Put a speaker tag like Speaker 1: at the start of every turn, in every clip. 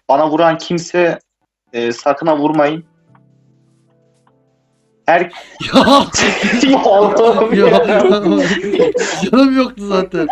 Speaker 1: Bana vuran kimse sakın ha vurmayın. Her
Speaker 2: Ya.
Speaker 1: Ya Allah'ım
Speaker 2: Ya.
Speaker 1: ya.
Speaker 2: Canım yoktu zaten.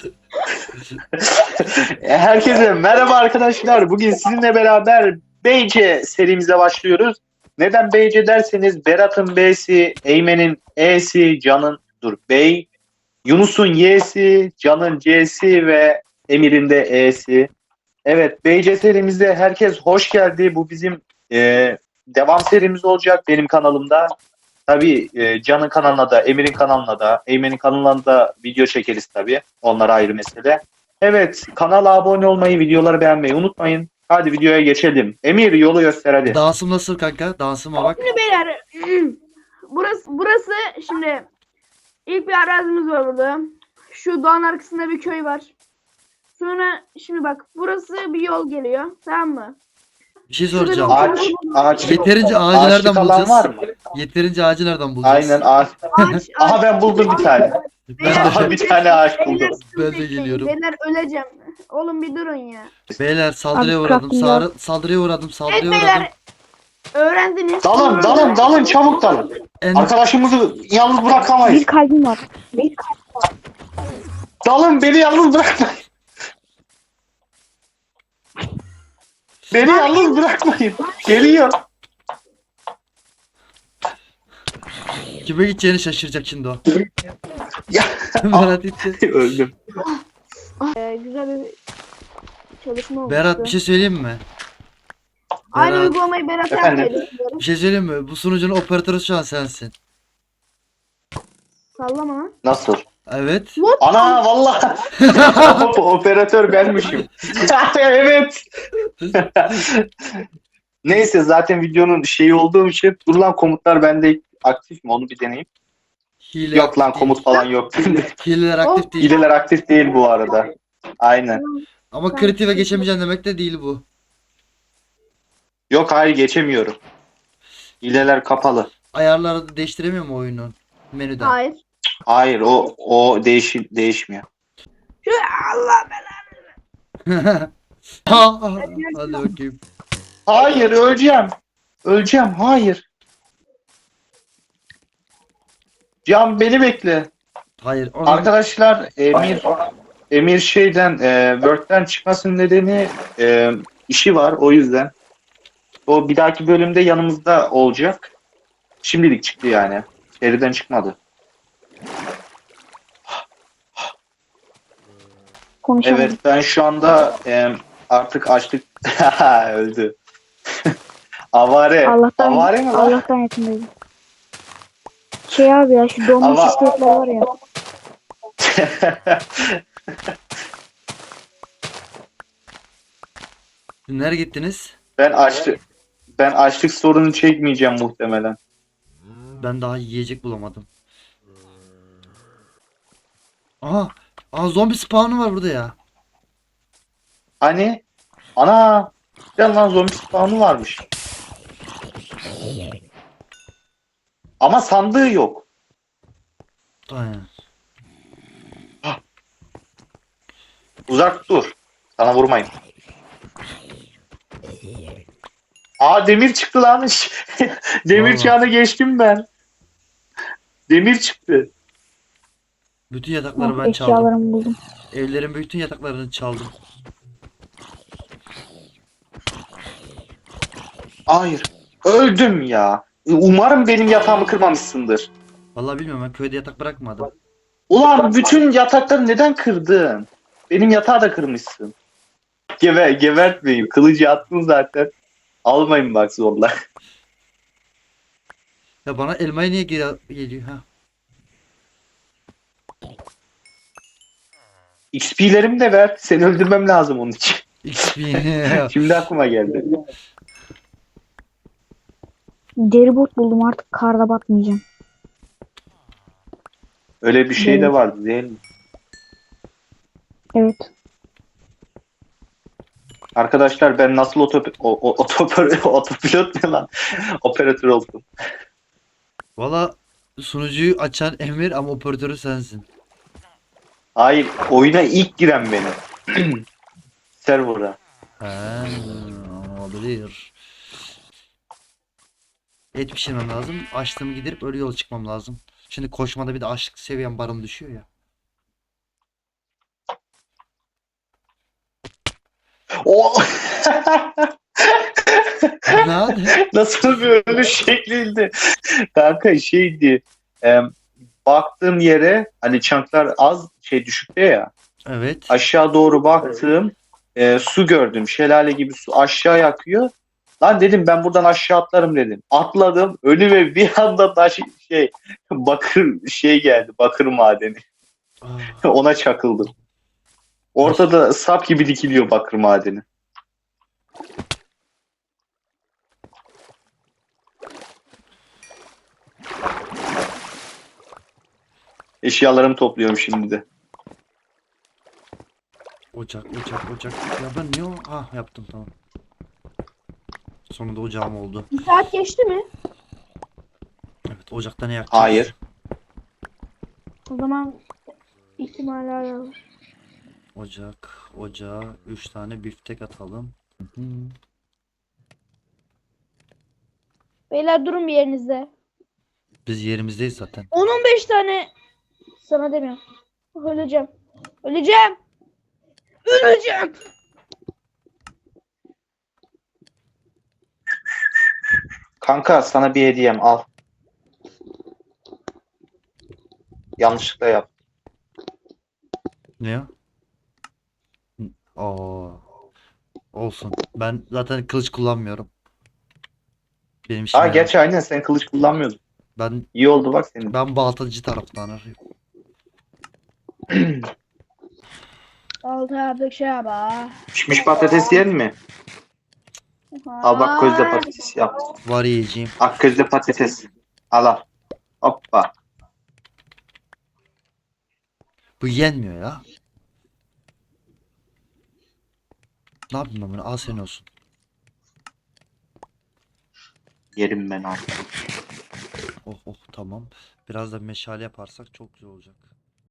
Speaker 1: Herkese merhaba arkadaşlar. Bugün sizinle beraber BC serimize başlıyoruz. Neden BC derseniz Berat'ın B'si, Eymen'in E'si, Can'ın Bey, Yunus'un Y'si, Can'ın C'si ve Emir'in de E'si. Evet, BC serimizde herkes hoş geldi. Bu bizim devam serimiz olacak benim kanalımda. Tabii Can'ın kanalına da, Emir'in kanalına da, Eymen'in kanalına da video çekeriz tabii. Onlar ayrı mesele. Evet, kanala abone olmayı, videoları beğenmeyi unutmayın. Hadi videoya geçelim. Emir yolu göster hadi.
Speaker 2: Dansım nasıl kanka? Dansıma bak.
Speaker 3: Şimdi beyler burası şimdi ilk bir arazimiz var burada. Şu dağın arkasında bir köy var. Sonra şimdi bak burası bir yol geliyor, tamam mı?
Speaker 2: Bir şey
Speaker 3: Şurada bir
Speaker 2: soracağım.
Speaker 1: Ağaç
Speaker 2: Yeterince ağacı nereden
Speaker 1: ağaçlık alan
Speaker 2: bulacağız?
Speaker 1: var mı?
Speaker 2: Yeterince ağacı nereden bulacağız?
Speaker 1: Aynen ağaç.
Speaker 3: ağaç.
Speaker 1: Aha ben buldum bir tane.
Speaker 2: Ben
Speaker 1: Aha
Speaker 2: de,
Speaker 1: bir tane ağaç
Speaker 3: Beyler,
Speaker 1: buldum.
Speaker 3: sıkıntı
Speaker 2: ben de
Speaker 3: etmeyin.
Speaker 2: geliyorum.
Speaker 3: Beyler öleceğim. Oğlum bir durun ya.
Speaker 2: Beyler saldırıya
Speaker 4: Abi,
Speaker 2: uğradım.
Speaker 4: crafting
Speaker 2: Saldırıya uğradım.
Speaker 3: Evet
Speaker 2: Saldırıya uğradım.
Speaker 3: beyler. Öğrendiniz.
Speaker 1: Dalın çabuk dalın.
Speaker 2: En...
Speaker 1: Arkadaşımızı yalnız bırakamayız.
Speaker 4: Bir kalbim var. Bir
Speaker 1: Dalın beni yalnız bırakmayın. Beni yalnız bırakmayın. Geliyor.
Speaker 2: Kime gideceğini şaşıracak şimdi o.
Speaker 1: Ya.
Speaker 2: Berat gitti.
Speaker 1: Öldüm.
Speaker 3: Güzel bir çalışma oldu.
Speaker 2: Berat bir şey söyleyeyim mi?
Speaker 3: Aynı
Speaker 2: Berat,
Speaker 3: uygulamayı Berat'a
Speaker 1: Efendim?
Speaker 3: yapmayı düşünüyorum.
Speaker 2: bir şey söyleyeyim mi? Bu sunucunun operatörü şu an sensin.
Speaker 3: Sallama lan.
Speaker 1: Nasıl?
Speaker 2: Evet.
Speaker 1: Ana vallahi operatör benmişim. Evet. Neyse zaten videonun şeyi olduğum için dur lan komutlar bende aktif mi onu bir deneyeyim.
Speaker 2: Hile
Speaker 1: Yok lan
Speaker 2: aktif
Speaker 1: komut falan yok.
Speaker 2: değil. Hileler aktif değil.
Speaker 1: Hileler aktif değil bu arada. Aynen.
Speaker 2: Ama kritiğe geçemeyeceğim demek de değil bu.
Speaker 1: Yok hayır geçemiyorum. Hileler kapalı.
Speaker 2: Ayarları da değiştiremiyor mu oyunun menüden?
Speaker 3: Hayır.
Speaker 1: Hayır o değişmiyor.
Speaker 3: Şu Allah
Speaker 2: Hadi bakayım.
Speaker 1: Hayır öleceğim. Öleceğim hayır. Can beni bekle.
Speaker 2: Hayır. Onu...
Speaker 1: Arkadaşlar Emir şeyden Word'den çıkmasının nedeni işi var o yüzden. O bir dahaki bölümde yanımızda olacak. Şimdilik çıktı yani. Seriden çıkmadı.
Speaker 4: konuşalım.
Speaker 1: Evet ben şu anda artık açlık öldü. Avare. Avare mi lan?
Speaker 4: Allah'tan yakındayım. Şey abi ya şu donmuş
Speaker 1: Ama-
Speaker 4: iskeletler var ya.
Speaker 2: Nereye gittiniz?
Speaker 1: Ben açlık sorunu çekmeyeceğim muhtemelen.
Speaker 2: Ben daha yiyecek bulamadım. Aha. Aa zombi spawn'u var burada ya.
Speaker 1: Hani ana ya lan zombi spawn'u varmış. Ama sandığı yok.
Speaker 2: Aynen.
Speaker 1: Uzak dur. Sana vurmayın. Aa demir çıktı lan. Demir
Speaker 2: Vallahi.
Speaker 1: çağına geçtim ben. Demir çıktı.
Speaker 2: Bütün yatakları
Speaker 4: Oh,
Speaker 2: ben çaldım.
Speaker 4: eşyalarımı buldum.
Speaker 2: Evlerin bütün yataklarını çaldım.
Speaker 1: Hayır. Öldüm ya. Umarım benim yatağımı kırmamışsındır.
Speaker 2: Vallahi bilmiyorum ben köyde yatak bırakmadım.
Speaker 1: Ulan bütün yatakları neden kırdın? Benim yatağı da kırmışsın. Gebertmeyin. Kılıcı attın zaten. Almayın bak zorla.
Speaker 2: Ya bana elmayı niye geliyor ha?
Speaker 1: XP'lerimi de ver. Seni öldürmem lazım onun için.
Speaker 2: XP.
Speaker 1: Şimdi aklıma geldi.
Speaker 4: Deri bot buldum artık karda batmayacağım.
Speaker 1: Öyle bir şey de vardı değil mi?
Speaker 4: Evet.
Speaker 1: Arkadaşlar ben nasıl otopilot ne lan? Operatör oldum.
Speaker 2: Valla sunucuyu açan Emir ama operatörü sensin.
Speaker 1: Hayır oyuna ilk giren benim. Server'a.
Speaker 2: Ha, olabilir. Et pişirmem lazım. Açlığımı giderip öyle yola çıkmam lazım. Şimdi koşmada bir de açlık seviyem barım düşüyor ya.
Speaker 1: O
Speaker 2: Ne oldu?
Speaker 1: nasıl bir ölüş şekliydi? Kanka şeydi. e, baktığım yere hani çanklar az şey düşükte ya.
Speaker 2: Evet.
Speaker 1: Aşağı doğru baktım. Su gördüm. Şelale gibi su aşağı akıyor. Lan dedim ben buradan aşağı atlarım dedim. Atladım. Önüme bir anda taş şey bakır şey geldi. Bakır madeni.
Speaker 2: Aa,
Speaker 1: Ona çakıldım. Ortada sap gibi dikiliyor bakır madeni. Eşyalarımı topluyorum şimdi de.
Speaker 2: ocak. Ya ben niye o? Ha yaptım tamam. Sonunda ocağım oldu.
Speaker 3: Bir saat geçti mi?
Speaker 2: Evet ocakta ne yakacağız?
Speaker 1: Hayır.
Speaker 3: O zaman ihtimal var.
Speaker 2: Ocağa 3 tane biftek atalım. Hı hı.
Speaker 3: Beyler durun bir yerinizde.
Speaker 2: Biz yerimizdeyiz zaten.
Speaker 3: 10-15 tane sana demiyorum. Öleceğim. Öleceğim. Öleceğim.
Speaker 1: Kanka sana bir hediyem al. Yanlışlıkla yap.
Speaker 2: Ne ya? Aa, olsun. Ben zaten kılıç kullanmıyorum. Benim işime
Speaker 1: Aa
Speaker 2: yarar.
Speaker 1: gerçi aynen sen kılıç kullanmıyordun.
Speaker 2: Ben
Speaker 1: İyi oldu bak senin.
Speaker 2: ben baltacı taraftan arıyorum.
Speaker 3: Altı yaptık şey yapa.
Speaker 1: Pişmiş patates yer mi? Al bak közde patates yaptım.
Speaker 2: Var yiyeceğim.
Speaker 1: Ak közde patates. Al al. Hoppa.
Speaker 2: Bu yenmiyor ya. Ne yapayım ben bunu? Al senin olsun.
Speaker 1: Yerim ben artık.
Speaker 2: Oh tamam. Biraz da meşale yaparsak çok güzel olacak.